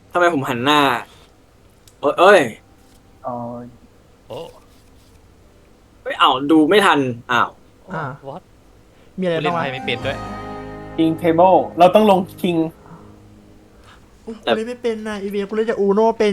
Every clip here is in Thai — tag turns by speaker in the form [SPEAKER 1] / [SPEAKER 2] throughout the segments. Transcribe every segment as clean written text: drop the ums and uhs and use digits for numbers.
[SPEAKER 1] ทำไมผมหันหน้าเอ้ย
[SPEAKER 2] อ๋อ
[SPEAKER 3] โอ้
[SPEAKER 1] ไม่เอาดูไม่ทันอ้าว
[SPEAKER 4] อ่า
[SPEAKER 3] วอต
[SPEAKER 4] มีอะไร
[SPEAKER 3] กูเล่
[SPEAKER 4] บ้างวะ
[SPEAKER 3] นไพ่ไม่เป็นด้วย
[SPEAKER 2] คิงเทเบิลเราต้องลงคิง
[SPEAKER 4] อุ๊ยกูเล่นไม่เป็นนะอีเวียกูเล่นจากอูโนเป็น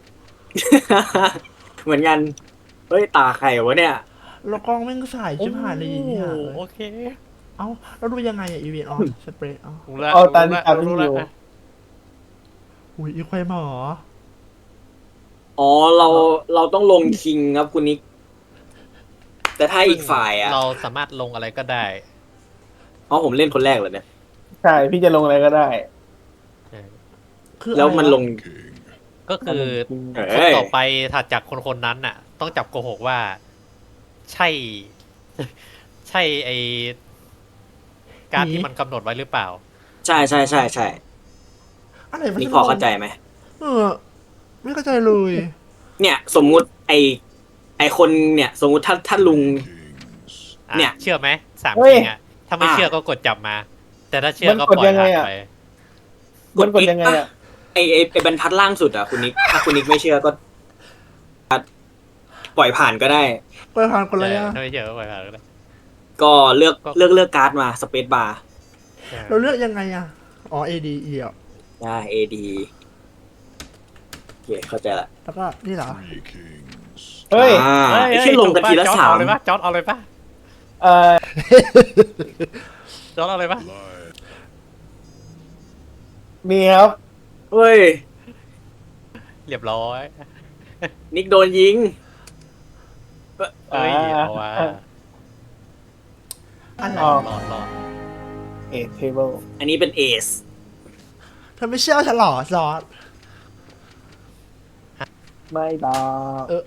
[SPEAKER 1] เหมือนกันเฮ้ยตาใครวะเนี่ย
[SPEAKER 4] แล้วกล้องแม่งสายชิบหายเลยอย่างเงี้ย
[SPEAKER 3] โอเค
[SPEAKER 4] เอ้าแล้วดูยังไงอะอีเวียอ๋อสเปรย์อ๋อ
[SPEAKER 3] รู้ละ
[SPEAKER 2] เอาตา
[SPEAKER 3] รู้
[SPEAKER 2] ที่
[SPEAKER 3] ละ
[SPEAKER 2] ตาม
[SPEAKER 3] รู้
[SPEAKER 2] ที่
[SPEAKER 3] ละ
[SPEAKER 2] อยู่
[SPEAKER 3] อ่ะ
[SPEAKER 4] อุ้ยอีควายหมอ
[SPEAKER 1] อ๋อเราต้องลงคิงครับคุณนิกแต่ถ้าอีกฝ่ายอ่ะ
[SPEAKER 3] เราสามารถลงอะไรก็ได้
[SPEAKER 1] อ๋อผมเล่นคนแรกเลยเนี่ย
[SPEAKER 2] ใช่พี่จะลงอะไรก็ได้
[SPEAKER 4] คือ
[SPEAKER 1] แล้วมันลง
[SPEAKER 3] ก็คือ
[SPEAKER 1] เอ้
[SPEAKER 3] คน
[SPEAKER 1] ย
[SPEAKER 3] ต่อไปถัดจากคนนั้นน่ะ ต้องจับโกหกว่า ใช่ ใช่ไอการที่มันกำหนดไว้หรือเปล่า
[SPEAKER 1] ใช่ใช่ใช่ใช่
[SPEAKER 4] อะไรวะ
[SPEAKER 1] นี่พอเข้าใจไหม
[SPEAKER 4] เออไม่เข้าใจเลย
[SPEAKER 1] เนี่ยสมมุติไอคนเนี่ย สมมุติถ้าลุง
[SPEAKER 3] อ่ะ
[SPEAKER 1] เนี่ย
[SPEAKER 3] เชื่อไหมสาม
[SPEAKER 2] เฮ้ย
[SPEAKER 3] จริงอ่ะ ถ้าไม่เชื่อก็กดจับมา แต่ถ้าเชื่อก็ปล่อยผ่านไป
[SPEAKER 2] มันกดยังไงอ่ะ
[SPEAKER 1] ไอบรรทัดล่างสุดอ่ะคุณนิกถ้าคุณนิกไม่เชื่อก็ปล่อยผ่านก็ได้
[SPEAKER 4] ไปผ่านคนเลยอะ
[SPEAKER 3] ถ้าไม่เชื่อก็ปล่อยผ่านก็ได้
[SPEAKER 1] ก็เลือกการ์ดมาสเปซบาร์
[SPEAKER 4] เราเลือกยังไงอะอ๋อ ADE อ่ะ
[SPEAKER 1] ได้ AD โอเคเข้าใจละ
[SPEAKER 4] แล้วก็นี่เหรอ
[SPEAKER 2] เฮ้ย
[SPEAKER 1] อ่า
[SPEAKER 3] เฮ้ย
[SPEAKER 1] ไอ้ที่ลงกันทีละ
[SPEAKER 3] จอร์จ
[SPEAKER 1] สาม
[SPEAKER 3] เอาเลยปะจอร์ดเอาเลยปะ
[SPEAKER 2] เอ่อ
[SPEAKER 3] จอร์ดเอาเลยปะ
[SPEAKER 2] มีครับ
[SPEAKER 1] เฮ้ย
[SPEAKER 3] เรียบร้อย
[SPEAKER 1] นิกโดนยิง
[SPEAKER 3] เอ้ยเอาว่า
[SPEAKER 4] อะไร
[SPEAKER 2] อ๋อ
[SPEAKER 3] รอด
[SPEAKER 2] เอเทเบิล
[SPEAKER 1] อันนี้เป็นเอส
[SPEAKER 4] เธอไม่เชื่อฉันเหรอซอส
[SPEAKER 2] ไม่บอก
[SPEAKER 4] เออ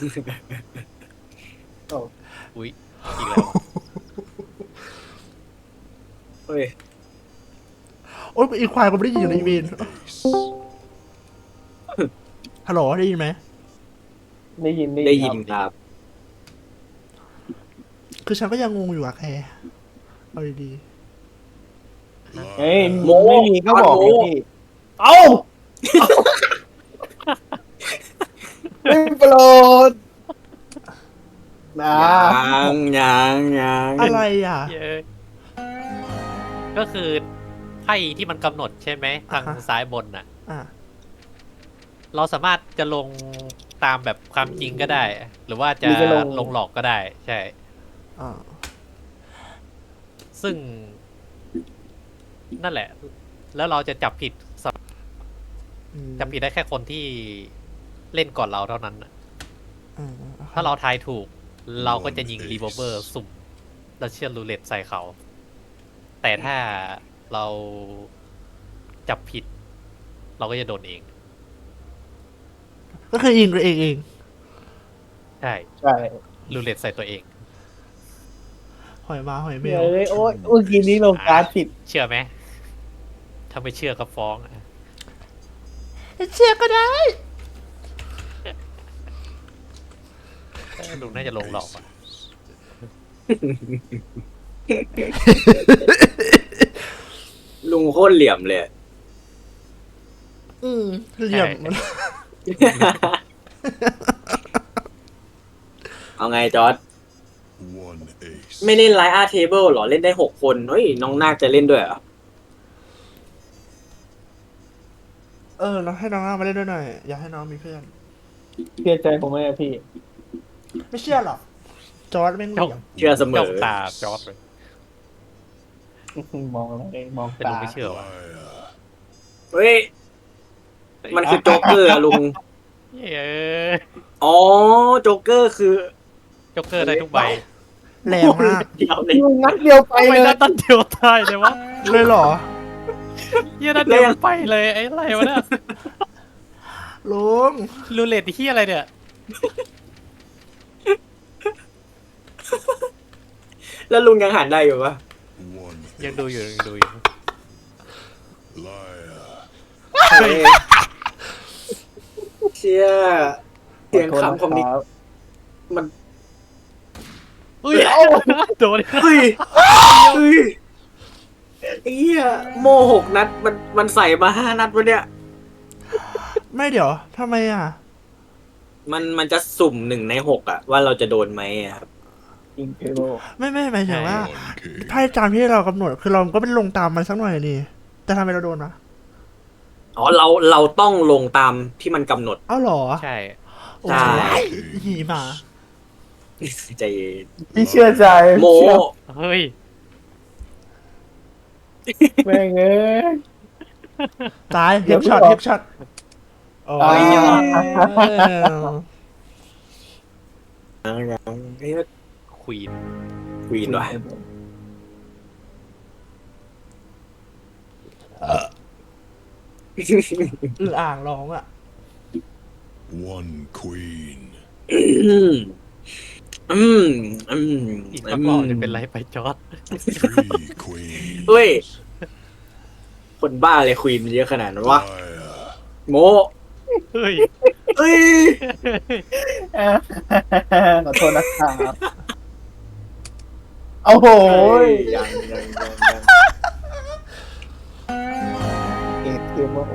[SPEAKER 2] โอ้
[SPEAKER 3] อุ้ยอีกแล้ว
[SPEAKER 1] เฮ้ย
[SPEAKER 4] โอ๊ยอีควายกูไม่ได้ยินอยู่ในอีเวนฮัลโหลได้ยินไหม
[SPEAKER 2] ได้ยิน
[SPEAKER 1] ได้ยิน
[SPEAKER 2] ครับ
[SPEAKER 1] ครับ
[SPEAKER 4] คือฉันก็ยังงงอยู่อะแคร์เอาดี
[SPEAKER 2] เฮ้ย
[SPEAKER 1] โม
[SPEAKER 2] ไม่มีก็บอก
[SPEAKER 1] โม
[SPEAKER 2] เลยพี่ เอ้าไม่โปรดนะ
[SPEAKER 1] ยัง
[SPEAKER 4] ๆอะไรอ่ะ
[SPEAKER 3] เย้ก็คือไพ่ที่มันกำหนดใช่ไหมทาง
[SPEAKER 4] อ่าฮะ
[SPEAKER 3] ซ้ายบนน่ะ
[SPEAKER 4] อ่ะ
[SPEAKER 3] เราสามารถจะลงตามแบบความจริงก็ได้ หรือว่าจะ
[SPEAKER 2] หรือจะลง
[SPEAKER 3] ลงหลอกก็ได้ ใช่
[SPEAKER 4] อ่า
[SPEAKER 3] ซึ่ง นั่นแหละ แล้วเราจะจับผิด
[SPEAKER 4] อืม
[SPEAKER 3] จับผิดได้แค่คนที่เล่นก่อนเราเท่านั้นน่ะ
[SPEAKER 4] อืม
[SPEAKER 3] ถ้าเราทายถูก เราก็จะยิงรีโวลเวอร์สุ่มแล้วเชื่อรูเล็ตใส่เขา แต่ถ้าเราจับผิด เราก็จะโดนเอง
[SPEAKER 4] ก็คือยิงตัวเองเอง
[SPEAKER 3] ใช่
[SPEAKER 2] ใช่
[SPEAKER 3] รูเล็ตใส่ตัวเอง
[SPEAKER 4] หอยมาหอยเม
[SPEAKER 2] เฮ้
[SPEAKER 4] ล
[SPEAKER 2] ยโอ้ยเมื่อกี้นี้ลงการ์ดผิด
[SPEAKER 3] เชื่อไหม ถ้าไม่เชื่อก็ฟ้องอ่ะ
[SPEAKER 4] เชื่อก็ได้
[SPEAKER 3] ลุงน่าจะลงหลอกอ่ะ
[SPEAKER 1] ลุงโคตรเหลี่ยมเลย
[SPEAKER 4] อืมเหลี่ยมมัน
[SPEAKER 1] เอาไงจอร์ดไม่เล่นไลน์อาร์เทเบิลหรอ เล่นได้6 คนเฮ้ย น้องนาคจะเล่นด้วยเหรอ
[SPEAKER 4] เราให้น้องมาเล่นด้วยหน่อย อยากให้น้องมีเพื่อน
[SPEAKER 2] เชื่อใจผมไหมอะพี่
[SPEAKER 4] ไม่เชื่อหรอก จอร์ดแม่งเหลี่ยม
[SPEAKER 1] เชื่อเสม
[SPEAKER 3] จ้อ
[SPEAKER 1] อง
[SPEAKER 3] ตาจอร์ดเลย
[SPEAKER 2] มองอะไรมอง
[SPEAKER 3] แต่ลุ
[SPEAKER 2] ตาง
[SPEAKER 3] ไม่เชื่อว่ะ
[SPEAKER 1] เฮ้ย มันคือโจ๊กเกอร์อะลุง
[SPEAKER 3] เย้
[SPEAKER 1] อ๋อ โจ๊กเกอร์คือ
[SPEAKER 3] จ็อกเกอร์ได้ทุกใบ
[SPEAKER 4] แรงมาก
[SPEAKER 1] เดียวเลย
[SPEAKER 2] ยิงนัดเดียวไป
[SPEAKER 3] ทำไม
[SPEAKER 2] เลย
[SPEAKER 3] ได้ตันเดียวตายเลยวะ
[SPEAKER 4] เลยเหรอ
[SPEAKER 3] เฮียนัดเดียวไปเลยไอ้ไรวะเนี่ย
[SPEAKER 4] ลุง
[SPEAKER 3] รูเล็ตเฮียอะไรเนี่ย
[SPEAKER 1] แล้วลุงยังหันได้อยู่ปะ
[SPEAKER 3] ยังดูอยู่
[SPEAKER 1] เฮ้ยเชี่ยเสียงขำของนิกมัน
[SPEAKER 3] อุ้ยโดน
[SPEAKER 1] เฮ้ยไอ้เหี้ยโม่6 นัดมันใส่มา5 นัดวะเนี่ย
[SPEAKER 4] ไม่เดี๋ยวทำไมอ่ะ
[SPEAKER 1] มันจะสุ่ม1 ใน 6อะว่าเราจะโดนไหมอะครับ
[SPEAKER 2] อิงเทโร
[SPEAKER 4] ไม่หมายถึงว่า
[SPEAKER 5] Okay.
[SPEAKER 4] ไพ่ตามที่เรากำหนดคือเราก็ไม่ได้ลงตามมันสักหน่อยนี่แต่ทำไมเราโดนวะ
[SPEAKER 1] อ๋อเราต้องลงตามที่มันกำหนด
[SPEAKER 4] เอ้าเหรอ
[SPEAKER 3] ใช่
[SPEAKER 4] โอ้
[SPEAKER 1] ใช่
[SPEAKER 4] ยหีหมา
[SPEAKER 1] ใจเย็น
[SPEAKER 2] พี่เชื่อใจ
[SPEAKER 1] โม
[SPEAKER 2] เชื่อ
[SPEAKER 3] เฮ้ย
[SPEAKER 2] แม่งเอ้ย
[SPEAKER 4] ตาย
[SPEAKER 2] เดี๋
[SPEAKER 4] เฮ
[SPEAKER 2] ยว
[SPEAKER 4] ดช็อต
[SPEAKER 2] พี่บอก
[SPEAKER 4] เฮดช็อตโอ้ย
[SPEAKER 1] เฮ้ย
[SPEAKER 3] ควีน
[SPEAKER 1] ควีนว่ะ
[SPEAKER 4] อืออ่างร้องอ่ะ
[SPEAKER 5] One queen.
[SPEAKER 3] อีกสักรอบจะเป็นไรไปจอร์ด
[SPEAKER 5] Three queens.
[SPEAKER 1] เฮ้ย คนบ้าเลยควีนเยอะขนาดนั้นวะ
[SPEAKER 5] Liar.
[SPEAKER 1] โม
[SPEAKER 3] เฮ้ย
[SPEAKER 1] เฮ้ย
[SPEAKER 2] ขอโทษนะครับโอ้โห
[SPEAKER 1] ยัง
[SPEAKER 2] เอ็ดเกมโอ้โห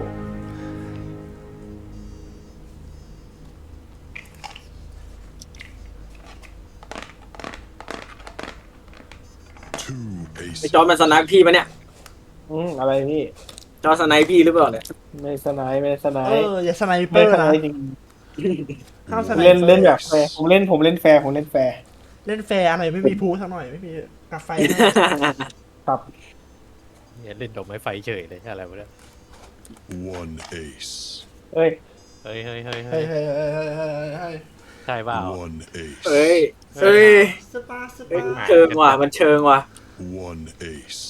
[SPEAKER 5] Two
[SPEAKER 1] ไอ
[SPEAKER 5] aces.
[SPEAKER 1] จอร์ดมันสไนป์พี่ปะเนี่ย
[SPEAKER 2] อะไรพี่
[SPEAKER 1] จอร์ดสไนป์พี่หรือเปล่าเนี่ย
[SPEAKER 2] ไม่สไนป์ไม่สไน
[SPEAKER 4] เอ
[SPEAKER 2] ป์
[SPEAKER 4] อ อย่าสไนเปอ
[SPEAKER 2] ไม่
[SPEAKER 4] ร์
[SPEAKER 2] สไน
[SPEAKER 4] นะ
[SPEAKER 2] ป์จริง
[SPEAKER 4] ห้ามสไน
[SPEAKER 2] เล่น
[SPEAKER 4] ปอร์
[SPEAKER 2] เล่นแบบแฟร์ผมเล่นแฟร์ผมเล่นแฟร์
[SPEAKER 4] เล่นแฟร์อะไรไม่มีพูสักหน่อย ไม่มีกาไฟ
[SPEAKER 2] ครับ
[SPEAKER 3] เนี่ยเล่นดอกไม้ไฟเฉยเลยอะไรวะเนี่ย
[SPEAKER 5] One ace.
[SPEAKER 2] เอ้ย
[SPEAKER 3] เฮ้ยเฮ้ยเฮ้ย
[SPEAKER 4] เฮ้
[SPEAKER 3] เฮ้
[SPEAKER 4] ย
[SPEAKER 3] ย
[SPEAKER 4] เฮ้ยเฮ้ยเฮ้ยเฮ้ยเฮ้ย
[SPEAKER 3] ใช่เปล่า
[SPEAKER 5] One ace.
[SPEAKER 1] เฮ้ย เฮ้ย
[SPEAKER 4] สปาร์ส
[SPEAKER 1] เฮ้ย
[SPEAKER 4] ปาร์
[SPEAKER 1] เชิงว่ะ มันเชิงว่ะ
[SPEAKER 5] One ace.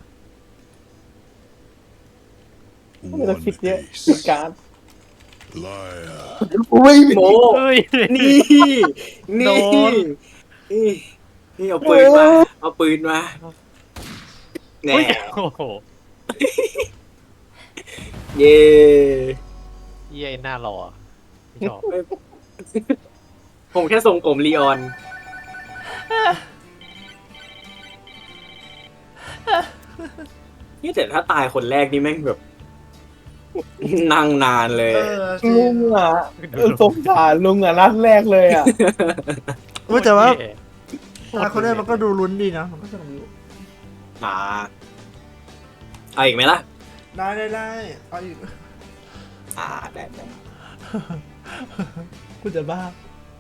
[SPEAKER 2] ไม่ต้อง
[SPEAKER 5] One
[SPEAKER 2] คิดเยอะ
[SPEAKER 5] ace.
[SPEAKER 2] คิดการ
[SPEAKER 5] Liar.
[SPEAKER 2] อุ้ย
[SPEAKER 1] โม
[SPEAKER 3] เฮ้ย
[SPEAKER 1] นี่
[SPEAKER 3] โด
[SPEAKER 1] นี่
[SPEAKER 3] น
[SPEAKER 1] นี่เอาปืนมา เอาปืนมาแน่
[SPEAKER 3] เฮ้ยโอ้โห
[SPEAKER 1] เย่
[SPEAKER 3] เยี่ยหน้าหล่อไม่ชอบ
[SPEAKER 1] ผมแค่ทรงผมลีออน นี่แต่ถ้าตายคนแรกนี่แม่งแบบ นั่งนานเลย
[SPEAKER 4] เออจริ
[SPEAKER 2] ลุ
[SPEAKER 4] ง
[SPEAKER 2] งอ่ะสงสารลุงอ่ะนัดแรกเลยอ่ะ
[SPEAKER 4] เออแต่ว่า
[SPEAKER 3] เย่
[SPEAKER 4] ตาคนนี้มันก็ดูลุ้นดีนะ มันก็สนุกอยู่
[SPEAKER 1] อ่าเอาอีกไหมล่ะ
[SPEAKER 4] ได้เอาอีก
[SPEAKER 1] ได้
[SPEAKER 4] คุณจะบ้า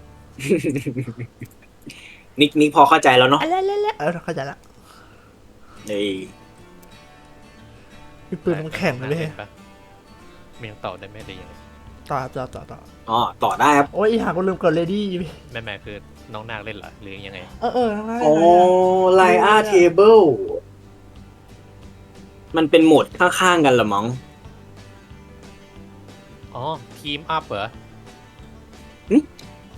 [SPEAKER 1] นิกพอเข้าใจแล้วเนาะ
[SPEAKER 4] เออเข้าใจละ
[SPEAKER 1] เอ้ย
[SPEAKER 4] พี่ปืนมันแข็งเลย
[SPEAKER 3] ปะมันยังต่อได้ไหมหรือยังไง
[SPEAKER 4] ต่อ
[SPEAKER 1] อ๋อต่อได้ครับ
[SPEAKER 4] โอ้ยอีหาก็ลืมกดเลดี้
[SPEAKER 3] แม่คือน้องนาคเล่นเหรอหรือยังไง
[SPEAKER 4] ทั้งนั้น
[SPEAKER 1] โอ้ไลอาร์เทเบิลมันเป็นโหมดข้างๆกันเหรอมั้ง
[SPEAKER 3] อ๋อ ทีมอัพเหรอ
[SPEAKER 1] หึ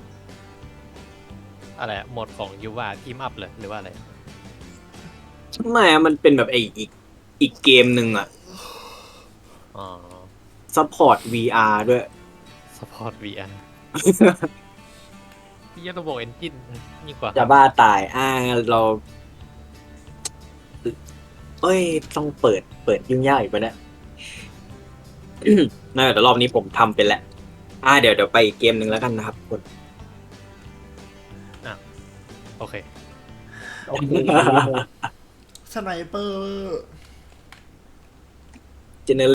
[SPEAKER 3] อะไรอะโหมดของยูว่าทีมอัพเลยหรือว่าอะไร
[SPEAKER 1] ไม่อะมันเป็นแบบอีกเกมหนึ่งอะ
[SPEAKER 3] อ๋อ
[SPEAKER 1] ซัพพอร์ต VR ด้วย
[SPEAKER 3] สปอร์ต VR พี่ยังระบบเอนจินยิ่งกว่า
[SPEAKER 1] จะบ้าตายเรา เอ้ย ต้องเปิดยุ่งยากอีกปะเนี่ย น่าแต่รอบนี้ผมทำเป็นแล้วเดี๋ยวไปอีกเกมหนึ่งแล้วกันนะครับคุณ
[SPEAKER 3] โอเค
[SPEAKER 2] โอเค
[SPEAKER 4] สไนเปอร์
[SPEAKER 1] เจเน